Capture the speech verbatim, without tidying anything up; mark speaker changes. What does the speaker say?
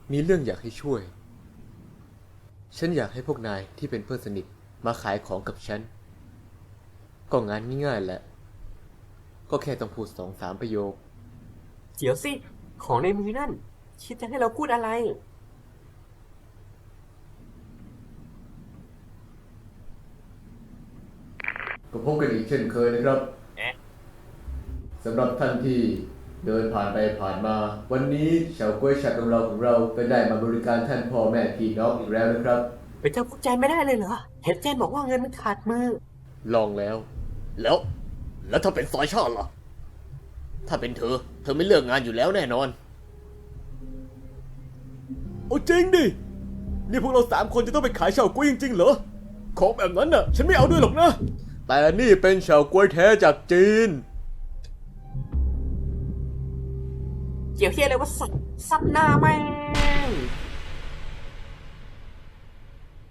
Speaker 1: มีเรื่องอยากให้ช่วย ฉันอยากให้พวกนายที่เป็นเพื่อนสนิทมาขายของกับฉัน ก็งานง่ายๆแหละ ก็แค่ต้องพูดสองสามประโยค
Speaker 2: เดี๋ยวสิของในมือนั่นคิดจะให้เราพูดอะไร
Speaker 1: ก็พบกันอีกเช่นเคยนะครับ
Speaker 2: เอ๊ะ
Speaker 1: สำหรับท่านที่เดินผ่านไปผ่านมา วันนี้เฉาก๊วยฉัดของเราของเราก็ได้มาบริการท่านพ่อแม่พี่น้องอีกแล้วนะครับ
Speaker 2: เป็นเจ้าพวกใจไม่ได้เลยเหรอเห็นเจนบอกว่าเงินมันขาดมือ
Speaker 1: ลองแล้ว แล้ว แล้วถ้าเป็นซอยชาติล่ะ ถ้าเป็นเธอ เธอไม่เลือกงานอยู่แล้วแน่นอน โอ้จริงดิ นี่พวกเราสามคนจะต้องไปขายเฉาก๊วยจริงๆเหรอ ของแบบนั้นน่ะ ฉันไม่เอาด้วยหรอกนะ แต่นี่เป็นเฉาก๊วยแท้จากจีน
Speaker 2: เกี่ยวเฮียอะไรว่าสัตว์สัตว์หน้าแม่ง